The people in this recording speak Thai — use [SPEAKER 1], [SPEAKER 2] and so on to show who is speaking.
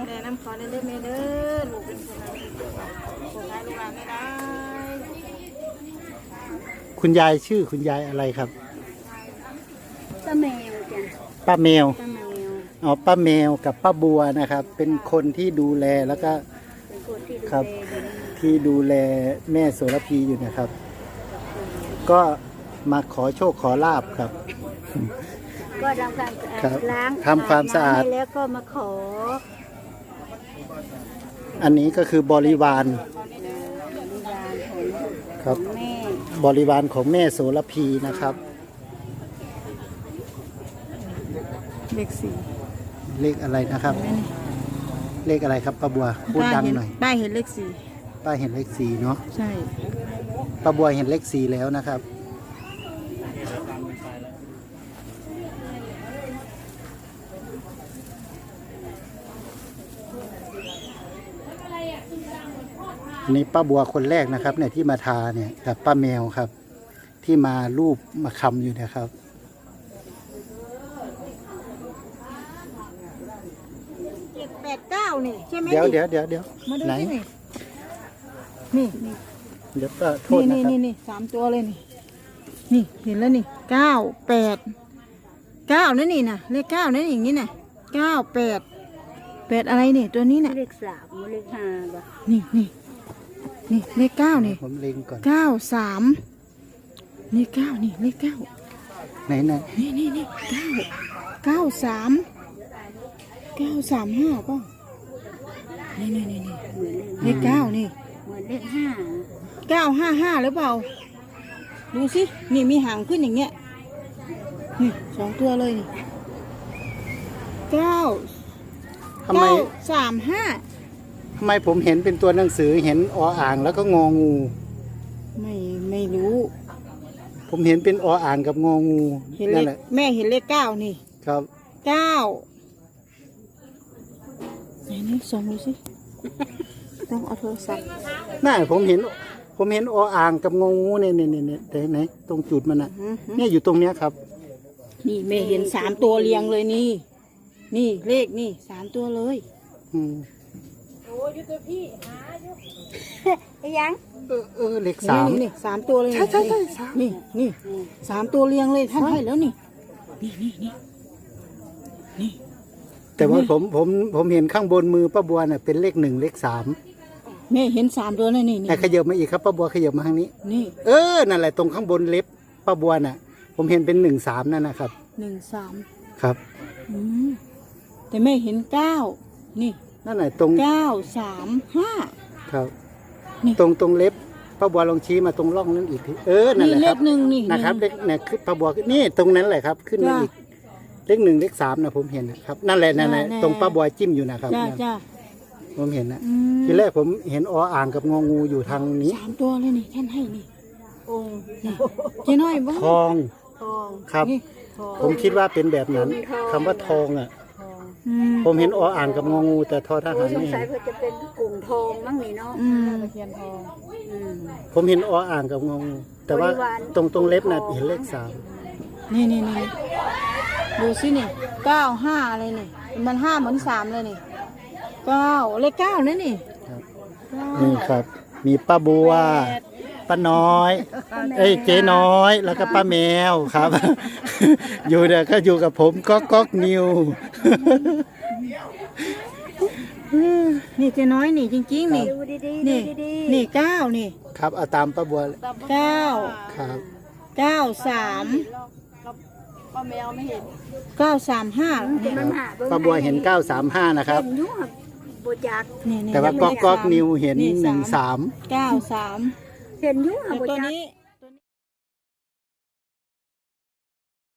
[SPEAKER 1] แม่น้ำขอในเด้อแม่เด้อลูกเป็นคนอะไรคนไทยลูกหลานไม่ได้
[SPEAKER 2] คุณยายชื่อคุณยายอะไรครับ
[SPEAKER 1] ป้าแมวจ้ะ
[SPEAKER 2] ป้าแมว
[SPEAKER 1] ป้าแมว
[SPEAKER 2] อ๋อป้าแมวกับป้าบัวนะครับเป็นคนที่ดูแลแล้วก็
[SPEAKER 1] เป็นคนที่ดู
[SPEAKER 2] ครับ
[SPEAKER 1] แลอยู่นี่
[SPEAKER 2] ที่ดูแลแม่โสระพีอยู่นะครับ ก็มาขอโชคขอลาบครับ
[SPEAKER 1] ก็ทำความสะอา
[SPEAKER 2] ครับ
[SPEAKER 1] ดล้าง
[SPEAKER 2] ทำความสะอาด
[SPEAKER 1] น้ำให้แล้วก็มาขอ
[SPEAKER 2] อันนี้ก็คือบริวาร
[SPEAKER 1] บริวารของ
[SPEAKER 2] ครับ
[SPEAKER 1] แม่
[SPEAKER 2] บริวารของแม่โสระพีนะครับ
[SPEAKER 1] เลขสี่
[SPEAKER 2] เลขอะไรนะครับ เลขอะไรครับป้าบัวพูดดังหน่อย
[SPEAKER 1] ป้าเห็นเลขสี่
[SPEAKER 2] ป้าเห็นเลขสี่เนาะ
[SPEAKER 1] ใช่
[SPEAKER 2] ป้าบัวเห็นเลขสี่แล้วนะครับอันนี้ป้าบัวคนแรกนะครับเนี่ยที่มาทาเนี่ยกับป้าแมวครับ ที่มารูปมาคำอยู่นะครับ
[SPEAKER 1] 789นี่ใช่ไหม
[SPEAKER 2] เดี๋ยว
[SPEAKER 1] มาดู
[SPEAKER 2] ไหน
[SPEAKER 1] ที่นี่นี่
[SPEAKER 2] เดี๋ยวก็โทษนะ
[SPEAKER 1] นี่
[SPEAKER 2] ครับ
[SPEAKER 1] นี่สามตัวเลยนี่นี่เห็นแล้วนี่989นั่นนี่นะเลข9นั่นอย่างนี้นะ98อะไรนี่ตัวนี้น่ะ
[SPEAKER 3] เลขสามเลขห้าบ่
[SPEAKER 1] นี่เลข9นี่
[SPEAKER 2] ผมเล็งก่อน
[SPEAKER 1] 93นี่9นี่เลข9
[SPEAKER 2] ไหน
[SPEAKER 1] นี่935ป่ะนี่เลข9นี่
[SPEAKER 3] เหมือนเลขห้า
[SPEAKER 1] 955หรือเปล่าดูสินี่มีหางขึ้นอย่างเงี้ยนี่2ตัวเลยนี่
[SPEAKER 2] ทำไม
[SPEAKER 1] 935
[SPEAKER 2] ทำไมผมเห็นเป็นตัวหนังสือเห็นออ่างแล้วก็งองู
[SPEAKER 1] ไม่รู้
[SPEAKER 2] ผมเห็นเป็นออ่างกับงองู
[SPEAKER 1] เห็นเล
[SPEAKER 2] นั่น
[SPEAKER 1] ข
[SPEAKER 2] แหละ
[SPEAKER 1] แม่เห็นเลข9นี่
[SPEAKER 2] ครับ
[SPEAKER 1] 9ไหนส่องดูสิต้องเอาโทรศัพท์
[SPEAKER 2] น่าผมเห็นออ่างกับงองูเนี่ยไหนตรงจุดมันน่ะเนี่ยอยู่ตรงเนี้ยครับ
[SPEAKER 1] นี่แม่เห็น3ตัวเรียงเลยนี่เลขนี่3ตัวเลย
[SPEAKER 2] อืม
[SPEAKER 3] ไอ้ยัง
[SPEAKER 2] เลขสาม
[SPEAKER 1] นี่3ตัวเลย
[SPEAKER 2] ใช่สาม
[SPEAKER 1] นี่3ตัวเรียงเลยท่านให้แล้วนี่นี่
[SPEAKER 2] แต่ว่าผมเห็นข้างบนมือป้าบัวน่ะเป็นเลข1เลข3
[SPEAKER 1] แม่เห็น3ตัวเลยนี่
[SPEAKER 2] ขยับมาอีกครับป้าบัวขยับมาทางนี้
[SPEAKER 1] นี่
[SPEAKER 2] นั่นแหละตรงข้างบนเล็บป้าบัวน่ะ ผมเห็นเป็น1 3นั่นนะครับ
[SPEAKER 1] 1
[SPEAKER 2] ครับ
[SPEAKER 1] 3แต่แม่เห็น9นี่
[SPEAKER 2] นั่นแหละตรง
[SPEAKER 1] 9 3 5
[SPEAKER 2] ครับ
[SPEAKER 1] นี่
[SPEAKER 2] ตรงเล็บป้าบัวลองชี้มาตรงร่องนั้นอีกทีนั่นแหละ
[SPEAKER 1] เล
[SPEAKER 2] ครับ
[SPEAKER 1] ข1นี่
[SPEAKER 2] นะครับเลขเนี่ยคือป้าบัวนี่ตรงนั้นแหละครับ ขึ้นมาอีกเลข1เลข3นะผมเห็นนะครับนั่นแหละตรงป้าบัวจิ้มอยู่นะครับ
[SPEAKER 1] จ้า
[SPEAKER 2] ผมเห็นนะทีแรกผมเห็นออ่างกับงองูอยู่ทางนี้
[SPEAKER 1] 3ตัวเลยนี่ท่านให้นี่เจ๊น้อยบ้าง
[SPEAKER 2] ทอง
[SPEAKER 3] ทอง
[SPEAKER 2] ครับ ผมคิดว่าเป็นแบบนั้นคำว่าทองอ่ะ ผมเห็นออ่างกับงองูแต่ทอทหาร
[SPEAKER 3] สง
[SPEAKER 2] ไม่
[SPEAKER 3] สั
[SPEAKER 2] เห็
[SPEAKER 3] ย
[SPEAKER 2] น
[SPEAKER 3] เพื่อจะเป็นกลุ่มทองมั้งนี่เนาะ
[SPEAKER 1] ตะเคียนทอง
[SPEAKER 3] อืม
[SPEAKER 2] ผมเห็นออ่างกับงองูแต่ว่า
[SPEAKER 3] บริวาร
[SPEAKER 2] ตรงเล็บน่ะเห็นเลข3
[SPEAKER 1] นี่ดูสินี่95อะไรนี่มัน5เหมือน3เลยนี่9เลข9นั่นนี่
[SPEAKER 2] ครับนี่ครับ มีป้าบัวป้าน้อย เจ๊น้อยแล้วก็ป้าแมวครับ อยู่เดี๋ยวก็อยู่กับผมก๊อกนิว
[SPEAKER 1] นี่เจ๊น้อยนี่จริงๆนี่
[SPEAKER 3] ดูดีๆ
[SPEAKER 1] นี่
[SPEAKER 3] ดูดี
[SPEAKER 1] นี่9นี่
[SPEAKER 2] ครับเอาตามป้าบัว
[SPEAKER 1] 9
[SPEAKER 2] ครับ
[SPEAKER 1] 93
[SPEAKER 3] ป้าแมวไม่เห็น
[SPEAKER 1] 935
[SPEAKER 3] แต่มันหา
[SPEAKER 2] ป้าบัวเห็น935นะครับ
[SPEAKER 3] เห็นยุ่งอะโบจัก
[SPEAKER 1] นี่
[SPEAKER 2] แต่ว่าก๊อกนิวเห็น
[SPEAKER 1] นี่
[SPEAKER 2] 13
[SPEAKER 1] 93
[SPEAKER 3] เห็นยุ่งอะโบ
[SPEAKER 1] ตัว
[SPEAKER 3] จัก
[SPEAKER 1] นี้